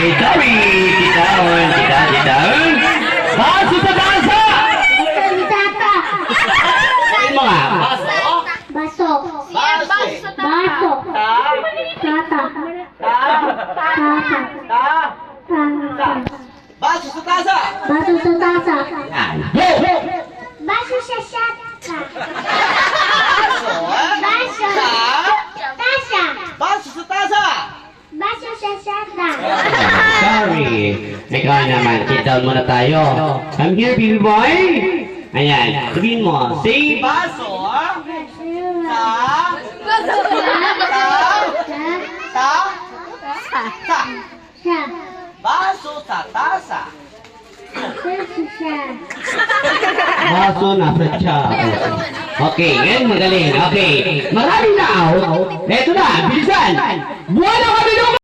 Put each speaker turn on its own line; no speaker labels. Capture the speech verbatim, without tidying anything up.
sorry, Titaon, Tita, Titaon. Baso sa tasa!
Tata.
Ayun mo nga.
Baso.
Baso.
Baso. Tata. Tata. Tata.
Baso sa tasa.
Baso sa tasa.
Yan. Go!
Baso sa shata.
Baso.
Baso.
Sa.
Tasa.
Baso sa tasa.
Baso sa shata.
Sorry. Ikaw naman, sit down muna tayo. Come here, baby boy. Ayan, sabihin mo, say
Baso. Sa. Sa. Sa. Sa.
Sa.
Baso sa tasa.
Baso sa.
baso nasa tiyan. Okay, ngayon magaling. Okay, maraming tao. Eto na, bilisan. Buwan na kami